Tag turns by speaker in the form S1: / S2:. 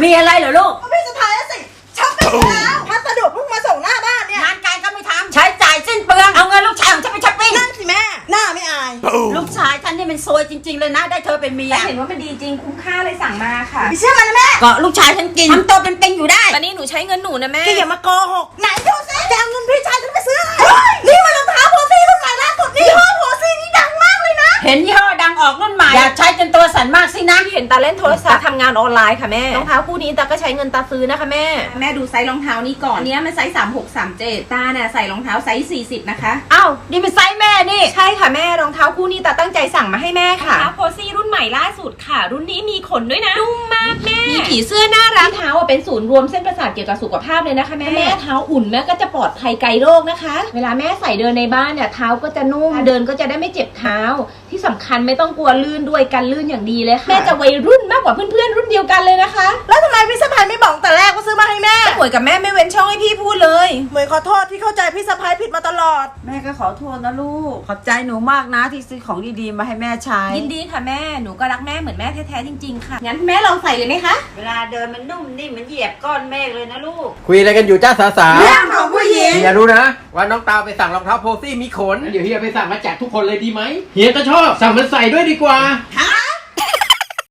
S1: มีอะไรเหรอลูก
S2: พี่สะพายสิช็อปปิ้งแล้วพัสดุเพิ่งมาส่งหน้าบ้านเนี่ย
S1: งานการก็ไม่ทำใช้จ่ายสิ้นเปลืองเอาเงินลูกชายของฉันไปช้อปปิ้ง
S2: นั่นสิแม่หน้าไม่อาย
S1: ลูกชายฉันนี่มันซวยจริงๆเลยนะได้เธอเป็นเมีย
S3: แต่เห็นว่ามันดีจริงคุ้มค่าเลยสั่งมาค่ะ
S2: ไม่เชื่อมันนะแม่
S1: ก็ลูกชายฉันกินทำตัวเป็นปิงอยู่ได้
S3: ตอนนี้หนูใช้เงินหนูนะแม่
S2: แกอย่ามาโกหกไหนดูสิจะเอาเงินพี่ชายฉันไปซื้ออะไรนี่มันรองเท้าโพซี่รุ่นใหม่ล่าสุดนี่ยี่ห้อโพซี่นี่ดังมากเลยนะ
S1: เห็นยี่ห้อดังออกรุ่นใหม่อยากใช้จนตัวสั่นมากสินะ
S3: เห็นตาเล่นโทรศัพท์ทำงานออนไลน์ค่ะแม่รองเท้าคู่นี้ตาก็ใช้เงินตาซื้อนะคะแม่ดูไซส์รองเท้านี้ก่อนอันนี้มันไซส์36-37ตาเนี่ยใส่รองเท้าไซส์40นะคะ
S1: อ้าวนี่เป็นไซส์แม่นี่
S3: ใช่ค่ะแม่รองเท้าคู่นี้ตาตั้งใจสั่งมาให้แม่ค่ะรองเท้าโพซี่รุ่นใหม่ล่าสุดค่ะรุ่นนี้มีขนด้วยนะนุ่มมากแม่มีผีเสื้อน่ารักเท้าเป็นศูนย์รวมเส้นประสาทเกี่ยวกับสุขภาพเลยนะคะแม่เท้าอุ่นแม่ก็จะปลอดภัยไกลโรคนะคะเวลาแม่ใส่เดินในบ้านเนี่ยเท้าก็จะนุ่มเดินก็จะได้ไม่เจ็บเท้าที่สำคัญไม่ต้องกลัวลื่นด้วยกันลื่นอย่างดีเลยค่ะแม่จะวัยรุ่นมากกว่าเพื่อนๆรุ่นเดียวกันเลยนะคะ
S2: แล้วทำไมพี่สะพายไม่บอกแต่แรกว่าซื้อมาให้แม่
S3: หมวยกับแม่ไม่เว้นช่องให้พี่พูดเลย
S2: เหมยขอโทษที่เข้าใจพี่สะพายผิดมาตลอด
S1: แม่ก็ขอโทษนะลูกขอบใจหนูมากนะที่ซื้อของดีๆมาให้แม่ใช้
S3: ยินดีค่ะแม่หนูก็รักแม่เหมือนแม่แท้ๆจริงๆค่ะงั้นแม่ลองใส่เลยไหมคะ
S1: เวลาเดินมันนุ่มนิ่มมันเหยียบก้อนเมฆเลยนะลูก
S4: คุยอะไรกันอยู่จ้าสาวๆ
S2: เรื่องของผู้หญิง
S4: เฮียรู้นะว่าน้องตาวไปสั่งรองเท้าโพซี่มีขนเดี๋ยวเฮียไปสั่งมาแจกทุกคนเลยดีไหมเฮียก็ชอบสั่งมันใส่ด้วยดีกว่า